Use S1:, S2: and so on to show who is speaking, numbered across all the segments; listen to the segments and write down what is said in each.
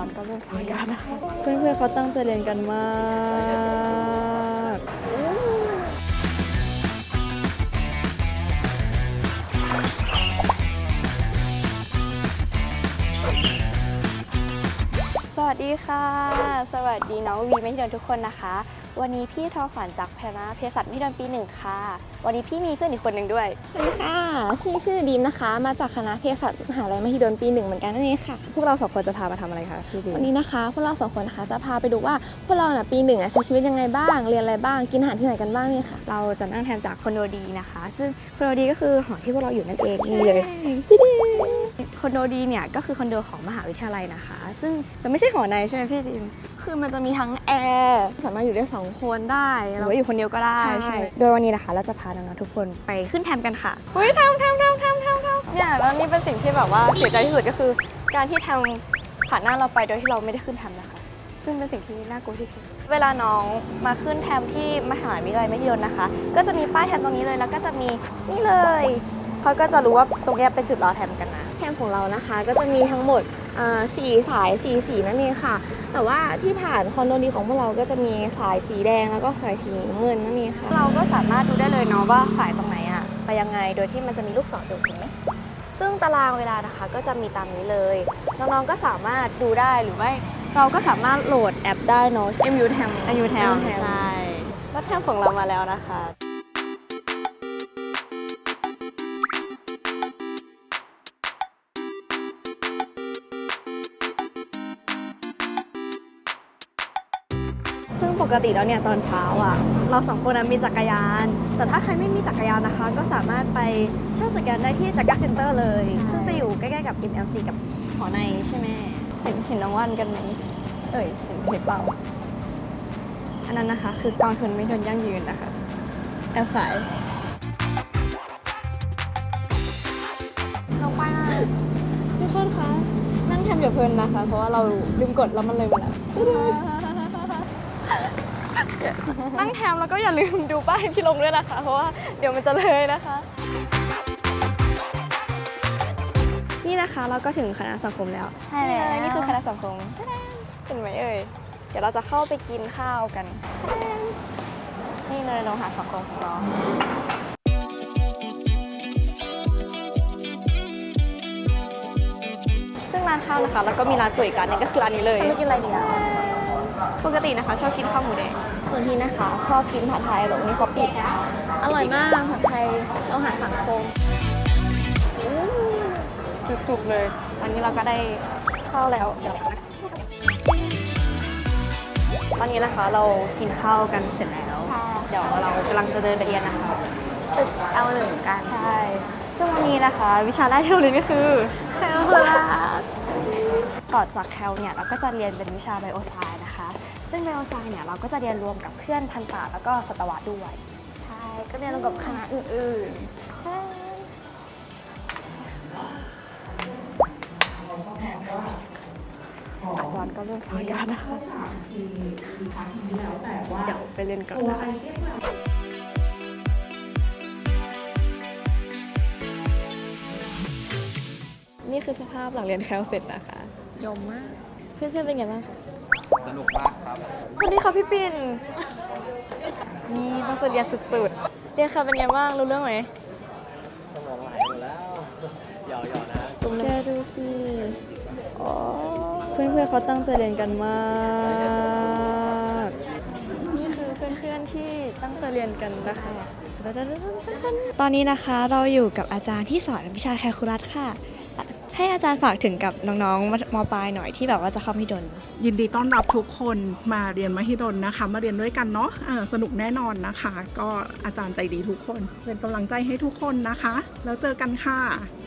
S1: ารย์ก็เริ่มสอนกันนะคะเพื่อนๆเขาตั้งใจเรียนกันมากสวัสดีค่ะสวัสดีน้องวีไม่เดินทุกคนนะคะวันนี้พี่ทอฝันจากคณะเภสัชไม่เดินปี 1ค่ะวันนี้พี่มีเพื่อนอีกคนหนึ่งด้วย
S2: สวัสดีค่ะพี่ชื่อดีมนะคะมาจากคณะเภสัชมหาลัยมหิดลปี 1เหมือนกันนั่นเองค่ะ
S1: พวกเราสองคนจะพามาทำอะไรคะพี่ดีม
S2: วันนี้นะคะพวกเรา2 คนนะคะจะพาไปดูว่าพวกเราปี 1ใช้ชีวิตยังไงบ้างเรียนอะไรบ้างกินอาหารที่ไหนกันบ้างนี่ค่ะ
S1: เราจะนั่งแทนจากคอนโดดีนะคะซึ่งคอนโดดีก็คือหอที่พวกเราอยู่นั่นเองนี่เลยพี่ดีคอนโดดีเนี่ยก็คือคอนโดของมหาวิทยาลัยนะคะซึ่งจะไม่ใช่หอในใช่ไหมพี่ดีม
S2: คือมันจะมีทั้งแอร์สามารถอยู่ได้2 คนได้
S1: หรือว่าอยู่คนเดียวก็ได้
S2: ใช่
S1: ใช่โดยวันนี้นะคะเราจะพาน้องๆทุกคนไปขึ้นแทมกันค่ะเฮ้ยแทมเนี่ยแล้วนี่เป็นสิ่งที่แบบว่าเสียใจที่สุดก็คือการที่แทมผ่านหน้าเราไปโดยที่เราไม่ได้ขึ้นแทมนะคะซึ่งเป็นสิ่งที่น่ากลัวที่สุดเวลาน้องมาขึ้นแทมที่มหาวิทยาลัยมหิดลนะคะก็จะมีป้ายแทมตรงนี้เลยแล้วก็จะมีนี่เลยเขาก็จะรู้ว่าตรงนี้เป็นจุดรอแทมกันนะ
S2: แคมของเรานะคะก็จะมีทั้งหมด4 สาย4 สีนั่นเองค่ะแต่ว่าที่ผ่านคอนโดดีของพวกเราก็จะมีสายสีแดงแล้วก็สายสีน้ำเงินนั่นเองค่ะ
S1: เราก็สามารถดูได้เลยเนาะว่าสายตรงไหนอะไปยังไงโดยที่มันจะมีลูกศรอยู่ถูกไหมซึ่งตารางเวลานะคะก็จะมีตามนี้เลยน้องๆก็สามารถดูได้หรือว่าเราก็สามารถโหลดแอปได้เนาะ
S2: MU Tam
S1: ใช่รถแทมของเรามาแล้วนะคะซึ่งปกติแล้วเนี่ยตอนเช้าอ่ะเรา2 คนมีจักรยานแต่ถ้าใครไม่มีจักรยานนะคะก็สามารถไปเช่าจักรยานได้ที่จักรยานเซ็นเตอร์เลยซึ่งจะอยู่ใกล้ๆกับ MLC กับหอในใช่ไหมเห็นน้องว่านกันไหมเห็นเปล่าอันนั้นนะคะคือกองทุนไม่ทนยั่งยืนนะคะแอบขาย
S2: ลงไปนะ
S1: ทุกคนคะนั่งทำอย่าเพลินนะคะเพราะว่าเราลืมกดแล้วมันเลยมาแล้วนั่งแทมแล้วก็อย่าลืมดูป้ายที่ลงด้วยนะคะเพราะว่าเดี๋ยวมันจะเลยนะคะนี่นะคะเราก็ถึงคณะสังคมแล้ว
S2: ใช่แล้ว
S1: นี่คือคณะสังคมเห็นไหมเอ่ยเดี๋ยวเราจะเข้าไปกินข้าวกันนี่เลยโรงอาหารสังคมของเราซึ่งร้านข้าวนะคะแล้วก็มีร้านก๋วยกันนี่ก็คือร้านนี้เลย
S2: ฉันไม่กินอะไรดีอ่ะ
S1: ปกตินะคะชอบกินข้าวหมูแดง
S2: ส่วนพี่นะคะชอบกินผัดไทยแต่วันนี้เขาปิดอร่อยมากผัดไทยอาหารสังคม
S1: จุกๆเลยตอนนี้เราก็ได้ข้าวแล้วเดี๋ยวนะตอนนี้นะคะเรากินข้าวกันเสร็จแล้วเดี๋ยวเรากำลังจะเดินไปเรียนนะคะ
S2: ตึกL1กัน
S1: ใช่ซึ่งวันนี้นะคะวิชาแรกที่เราเรียนก็คือ
S2: แคลคูลัส
S1: ต่อจากแคลเนี่ยเราก็จะเรียนเป็นวิชาไบโอไซน์นะคะซึ่งไบโอไซน์เนี่ยเราก็จะเรียนรวมกับเพื่อนทันตะแล้วก็สัตวะด้วย
S2: ใช่ก็เรียนรวมกับคณะอื่นๆ
S1: อาจารย์ก็เริ่มสอนกันนะคะเดี๋ยวไปเรียนก่อนนะคะนี่คือสภาพหลังเรียนแคลเสร็จนะคะ
S2: ยมมาก
S1: เพื่อนๆเป็นไงบ้างคะ
S3: สนุกมากครับ
S1: สวัสดีค่ะพี่ปิ่นนี่ต้องจะเรียนสุดๆเรียนค่ะเป็นไงบ้างรู้เรื่องไหม
S3: สมองไหลหมดแล้วหยอกๆนะ
S1: แกดูสิเพื่อนๆเขาตั้งใจเรียนกันมากนี่คือเพื่อนๆที่ตั้งใจเรียนกันนะคะตอนนี้นะคะเราอยู่กับอาจารย์ที่สอนวิชาแคลคูลัสค่ะให้อาจารย์ฝากถึงกับน้องๆม.ปลายหน่อยที่แบบว่าจะเข้ามหิดล
S4: ยินดีต้อนรับทุกคนมาเรียนมหิดลนะคะมาเรียนด้วยกันเนาะสนุกแน่นอนนะคะก็อาจารย์ใจดีทุกคนเป็นกำลังใจให้ทุกคนนะคะแล้วเจอกันค่ะ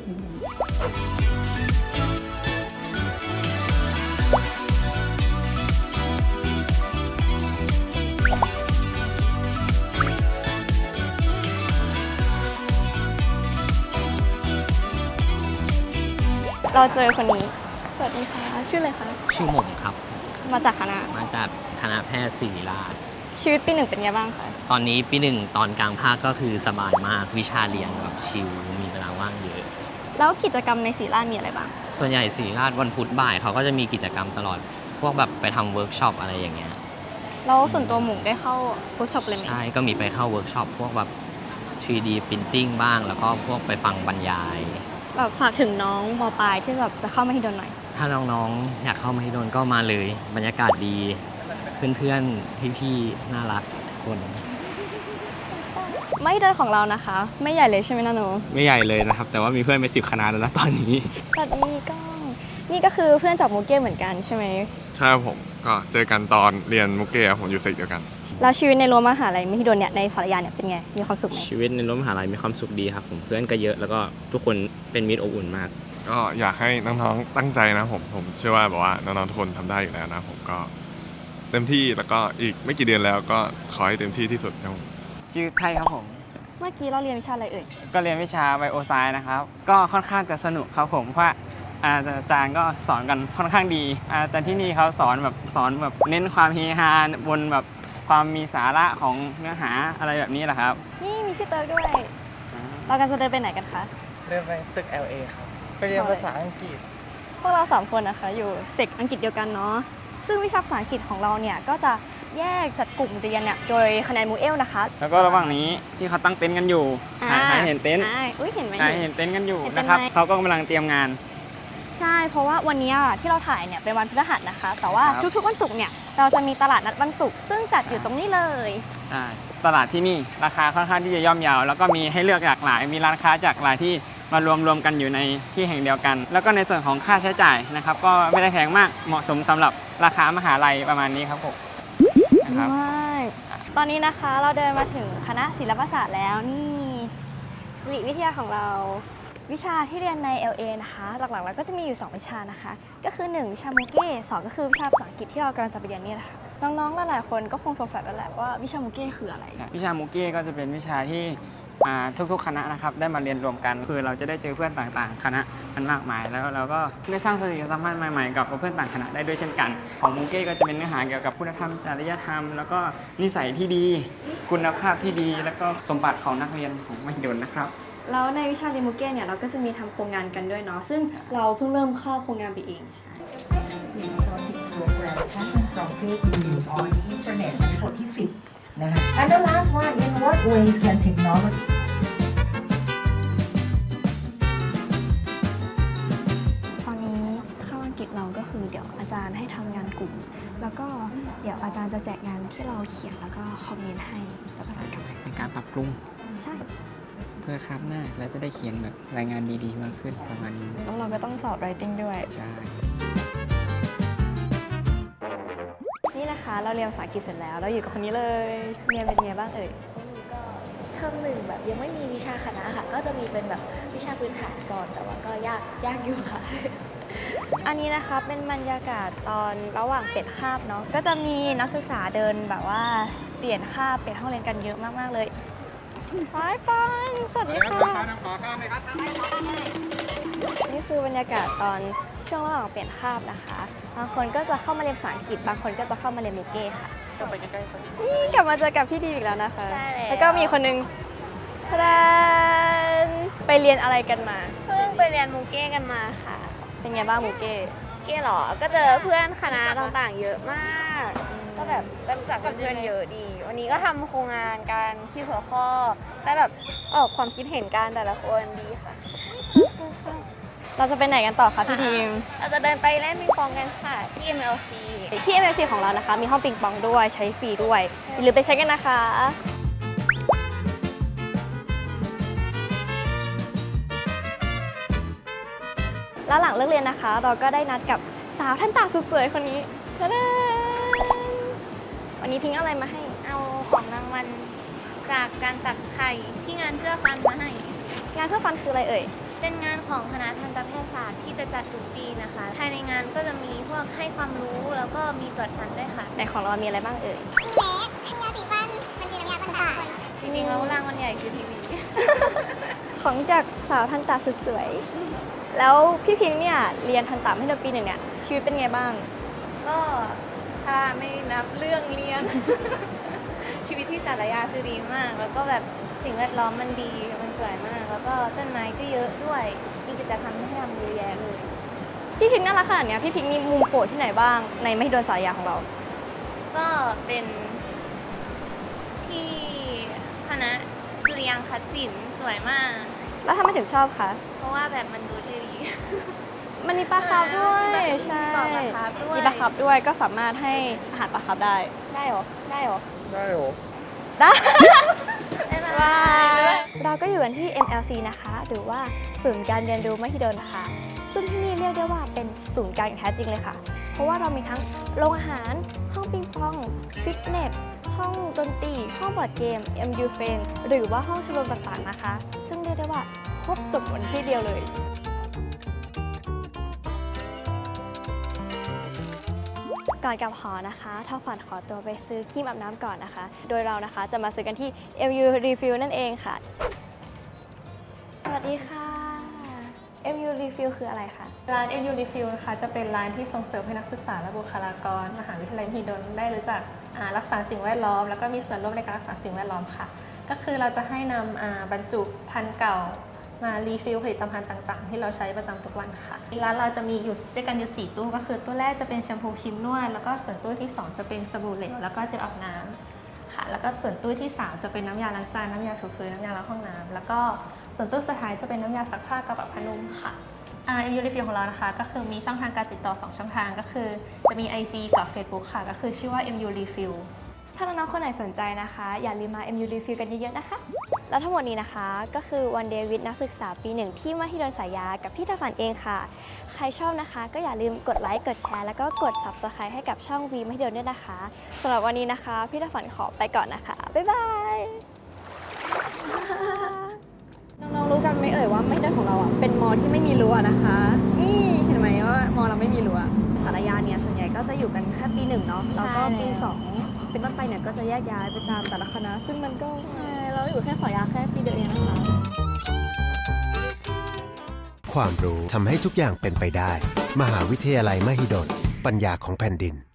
S1: เราเจอคนนี้สวัสดีค่ะชื่ออะไรคะ
S3: ชื่อหม่งครับ
S1: มาจากคณะ
S3: แพทย์ศิริราช
S1: ชีวิตปี 1เป็นไงบ้างคะ
S3: ตอนนี้ปี 1ตอนกลางภาคก็คือสบายมากวิชาเรียนแบบชิลมีเวลาว่างเยอะ
S1: แล้วกิจกรรมในศิริราชมีอะไรบ้าง
S3: ส่วนใหญ่ศิริราชวันพุธบ่ายเขาก็จะมีกิจกรรมตลอด พวกแบบไปทำเวิร์กช็อปอะไรอย่างเงี้ย
S1: แล้วส่วนตัวหมูได้เข้าเวิร์กช็อปเลยไหม
S3: ใช่ ก็มีไปเข้าเวิร์กช็อปพวกแบบ 3D Printing บ้าง แล้วก็พวกไปฟังบรรยาย
S1: แบบฝากถึงน้องมปลายที่แบบจะเข้ามหิดลหน่อย
S3: ถ้าน้องๆ อยากเข้ามหิดลก็มาเลย บรรยากาศดี เพื่อนๆ พี่ๆ น่ารักทุกคน
S1: มหิดลของเรานะคะ ไม่ใหญ่เลยใช่ไหมนะหนู
S5: ไม่ใหญ่เลยนะครับ แต่ว่ามีเพื่อนไป10 คณะแล้วนะตอนนี้
S1: สวัสดีกล้องนี่ก็คือเพื่อนจากมูเก้เหมือนกันใช่ไหม
S6: ใช่ครับผมก็เจอกันตอนเรียนมุกเก้ครับผมอยู่เซกเดียวกัน
S1: แล้วชีวิตในรั้วมหาลัยมหิดลเนี่ยในสารยาเนี่ยเป็นไงมีความสุขไหม
S5: ชีวิตในรั้วมหาลัยมีความสุขดีครับผมเพื่อนก็เยอะแล้วก็ทุกคนเป็นมิตรอบอุ่นมาก
S6: ก็อยากให้น้องๆตั้งใจนะผมเชื่อว่าแบบว่าน้องๆทุกคนทำได้อยู่แล้วนะผมก็เต็มที่แล้วก็อีกไม่กี่เดือนแล้วก็ขอให้เต็มที่ที่สุดครับผม
S7: ชื่อไทยครับผม
S1: เมื่อกี้เราเรียนวิชาอะไรเอ่ย
S7: ก็เรียนวิชาไบโอไซน์นะครับ ก็ค่อนข้างจะสนุกครับผมเพราะว่าอาจารย์ก็สอนกันค่อนข้างดีอาจารย์ที่นี่เขาสอนแบบเน้นความเฮฮาบนแบบความมีสาระของเนื้อหาอะไรแบบนี้แหละครับ
S1: นี่มีพี่เติร์กด้วย เรากันจะเดินไปไหนกันคะ
S8: เดินไปตึก LA ครับ ไปเรียนภาษาอังกฤษ
S1: พวกเรา3คนนะคะอยู่เซกอังกฤษเดียวกันเนาะซึ่งวิชาภาษาอังกฤษของเราเนี่ยก็จะแยกจัดกลุ่มเรียนเนี่ยโดยคะแนนมูเอลนะคะ
S7: แล้วก็ระหว่างนี้ที่เขาตั้งเต็นท์กันอยู่หาเห็นเต็นท์
S1: อุ้ยเห็นไหม
S7: เห็นเต็นท์กันอยู่
S1: เห็นเต็นท์
S7: นะครับ
S1: ไหม
S7: เขาก็กำลังเตรียมงาน
S1: ใช่เพราะว่าวันนี้ที่เราถ่ายเนี่ยเป็นวันพฤหัสนะคะ แต่ว่า
S7: ครับ
S1: ทุกๆวันศุกร์เนี่ยเราจะมีตลาดนัดวันศุกร์ซึ่งจัดอยู่ตรงนี้เลย
S7: ใช่ตลาดที่นี่ราคาค่อนข้างที่จะย่อมเยาว แล้วก็มีให้เลือกหลากหลาย มีร้านค้าจากหลายที่มารวมกันอยู่ในที่แห่งเดียวกัน แล้วก็ในส่วนของค่าใช้จ่ายนะครับก็ไม่ได้แพงมากเหมาะสมสำหรับราคามหาลัยประมาณนี้ครับผมครับ
S1: ใช่ตอนนี้นะคะเราเดินมาถึงคณะศิลปศาสตร์แล้วนี่ศิริวิทยาของเราวิชาที่เรียนใน LA นะคะหลักๆแล้วก็จะมีอยู่2วิชานะคะก็คือ1วิชามูเก้2ก็คือวิชาภาษาอังกฤษที่เรากำลังจะไปเรียนนี่แหละค่ะน้องๆหลายๆคนก็คงสงสัยแล้วแหละว่าวิชามูเก้คืออะไร
S7: วิชามูเก้ก็จะเป็นวิชาที่ทุกๆคณะนะครับได้มาเรียนรวมกัน คือเราจะได้เจอเพื่อนต่างๆ คณะมันมากมาย แล้วเราก็ได้สร้างสนิทสัมพันธ์ใหม่ๆกับเพื่อนต่างคณะได้ด้วยเช่นกัน ของมูเก้ก็จะเป็นเนื้อหาเกี่ยวกับคุณธรรมจริยธรรม แล้วก็นิสัยที่ดีคุณภาพที่ดี แล้วก็สมบัติของนักเรียนของมหิดลนะครับ
S1: แล้วในวิชาเรียนมูเก้เนี่ยเราก็จะมีทำโครงงานกันด้วยเนาะซึ่งเราเพิ่งเริ่มเข้าโครงงานไปเองใช่
S9: program happened from fake news on the internet ในบทที่ 10 นะคะ And the last one in what ways can technology
S1: ตอนนี้เข้าอังกฤษเราก็คือเดี๋ยวอาจารย์ให้ทำงานกลุ่ม แล้วก็เดี๋ยวอาจารย์จะแจกงานที่เราเขียนแล้วก็คอมเมนต์ให้แล้วก็ส่งกลับมา
S7: ในการปรับปรุง
S1: ใช่
S7: เพื่อคาบหน้าแล้วจะได้เขียนแบบรายงานดีๆมากขึ้นประมาณนี้
S1: แล้วเราก็ต้องสอบ writing ด้วย
S7: ใช่
S1: นี่นะคะเราเรียนภาษาอังกฤษเสร็จแล้วเราอยู่กับคนนี้เลยเรียนเป็นไงบ้างเอ่ย
S2: ก็เทอมหนึ่งแบบยังไม่มีวิชาคณะค่ะ ก็จะมีเป็นแบบวิชาพื้นฐานก่อน แต่ว่าก็ยากอยู่ค่ะ
S1: อันนี้นะคะเป็นบรรยากาศตอนระหว่างเปลี่ยนคาบเนาะก็จะมีนักศึกษาเดินแบบว่าเปลี่ยนคาบเปลี่ยนห้องเรียนกันเยอะมากๆเลยไปปันสวัสดีค่ะนี่คือบรรยากาศตอนช่วงระหว่างเปลี่ยนคาบนะคะบางคนก็จะเข้ามาเรียนภาษาอังกฤษบางคนก็จะเข้ามาเรียนมูเก้ค่ะนี่กลับมาเจอกับพี่ดีอีกแล้วนะคะ
S2: ใช่แล้ว
S1: แล้วก็มีคนนึงทะดานไปเรียนอะไรกันมา
S2: เพิ่งไปเรียนมูเก้กันมาค่ะ
S1: เป็นไงบ้างมูเก้
S2: เก้หรอ ก็เจอเพื่อนคณะต่างๆ เยอะมาก ก็แบบได้รู้จักเพื่อนเยอะดี วันนี้ก็ทำโครงงานกันชื่อหัวข้อได้แบบออกความคิดเห็นกันแต่ละคนดีค่ะ
S1: เราจะไปไหนกันต่อคะพี่ดีม
S2: เราจะเดินไปเล่นปิงปองกันค่ะ ที่ MLC
S1: ที่ MLC ของเรานะคะมีห้องปิงปองด้วยใช้ฟรีด้วยอย่าลืมไปใช้กันนะคะ แล้วหลังเลิกเรียนนะคะ เราก็ได้นัดกับสาวท่านตาสุดสวยคนนี้ทะดานวันนี้พิงค์เอาอะไรมาให้
S2: เอาของรางวัลจากการตักไข่ที่งานเพื่อฟันมาให้
S1: งานเพื่อฟันคืออะไรเอ่ย
S2: เป็นงานของคณะทันตแพทยศาสตร์ที่จะจัดทุกปีนะคะ ภายในงานก็จะมีพวกให้ความรู้แล้วก็มีตรวจฟันด้วยค่ะ
S1: ในของเรามีอะไรบ้างเอ่ย
S2: จริงๆแล้วรางวัลใหญ่คือทีวี
S1: ของจากสาวทันตาสุดสวย แล้วพี่พิงค์เนี่ยเรียนทันตาให้เราปีหนึ่งเนี่ยชีวิตเป็นไงบ้าง
S10: ก็ถ้าไม่นับเรื่องเรียน ชีวิตที่สารยาคือดีมาก แล้วก็แบบสิ่งแวดล้อมมันดี มันสวยมาก แล้วก็ต้นไม้ก็เยอะด้วย มีกิจกรรมให้ทำเยอะแยะเลย
S1: พี่พิงค์น่ารักขนาดเนี้ยพี่พิงค์มีมุมโปรดที่ไหนบ้างในมหิดลสารยาของเรา
S10: ก็เป็นที่คณะดุริยางคศิลป์สวยมาก
S1: แล้วทำไมถึงชอบคะ
S10: เพราะว่าแบบมันดูเท่ดี
S1: มันมีปลาคาร์ฟด้วย
S10: มี
S1: ใช่
S10: ปลาคาร์ฟด้วย
S1: มีปลาคาร์ฟด้วยก็สามารถให้อาหารปลาคาร์ฟได้ ได้เหรอ ได้เหรอ
S8: ได้โห
S1: ได้
S10: บ๊ายบา
S1: บาย
S10: ย
S1: เราก็อยู่กันที่ MLC นะคะ หรือว่าศูนย์การเรียนรู้มหิดลนะคะ ซึ่งที่นี่เรียกได้ว่าเป็นศูนย์กลางอย่างแท้จริงเลยค่ะ เพราะว่าเรามีทั้งโรงอาหาร ห้องปิงปอง ฟิตเนส ห้องดนตรี ห้องบอร์ดเกม MU f r i e n d หรือว่าห้องชมรมต่างๆนะคะ ซึ่งเรียกได้ว่าครบจบบนที่เดียวเลย ก่อนกลับหอนะคะท้อฝันขอตัวไปซื้อครีมอาบน้ำก่อนนะคะ โดยเรานะคะจะมาซื้อกันที่ MU Refill นั่นเองค่ะ สวัสดีค่ะ MU Refill คืออะไรคะ
S11: ร้าน MU Refill นะคะจะเป็นร้านที่ส่งเสริมให้นักศึกษาและบุคลากรมหาวิทยาลัยมหิดลได้รู้จักรักษาสิ่งแวดล้อมแล้วก็มีส่วนร่วมในการรักษาสิ่งแวดล้อมค่ะ ก็คือเราจะให้นำบรรจุภัณฑ์เก่ามารีฟิลผลิตภัณฑ์ต่างๆที่เราใช้ประจำทุกวันค่ะร้านเราจะมีอยู่ด้วยกันอยู่4ตู้ก็คือตู้แรกจะเป็นแชมพูครีมนวดแล้วก็ส่วนตู้ที่2จะเป็นสบู่เหลวแล้วก็เจลอาบน้ำค่ะแล้วก็ส่วนตู้ที่3จะเป็นน้ำยาล้างจานน้ำยาถูพื้นน้ำยาล้างห้องน้ำแล้วก็ส่วนตู้สุดท้ายจะเป็นน้ำยาซักผ้ากับผ้านุ่มค่ะMU Refill ของเรานะคะก็คือมีช่องทางการติดต่อ2ช่องทางก็คือจะมี IG กับ Facebook ค่ะก็คือชื่อว่า MU Refill
S1: ถ้าน้องๆคนไหนสนใจนะคะ อย่าลืมมา MU Refill กันเยอะๆนะคะ แล้วทั้งหมดนี้นะคะก็คือ One Day with นักศึกษาปี 1 ที่มหิดลสารยากับพี่ท้อฝันเองค่ะ ใครชอบนะคะก็อย่าลืมกดไลค์กดแชร์แล้วก็กด Subscribe ให้กับช่อง V มหิดลด้วยนะคะสำหรับวันนี้นะคะพี่ท้อฝันขอไปก่อนนะคะบ๊ายบายน้องๆรู้กันไหมเอ่ยว่ามหิดลของเราอ่ะเป็นมอที่ไม่มีรั้วนะคะ นี่เห็นไหมว่ามอเราไม่มีรั้วสารยาเนี่ยส่วนใหญ่ก็จะอยู่กันแค่ปี 1เนาะแล้วก็ปี 2 เป็นต้นไปเนี่ยก็จะแยกย้ายไปตามแต่ละคณะซึ่งมันก็
S2: ใช่ เราอยู่แค่สายยาแค่ปีเดียวเองนะคะ
S12: ความรู้ทำให้ทุกอย่างเป็นไปได้ มหาวิทยาลัยมหิดล ปัญญาของแผ่นดิน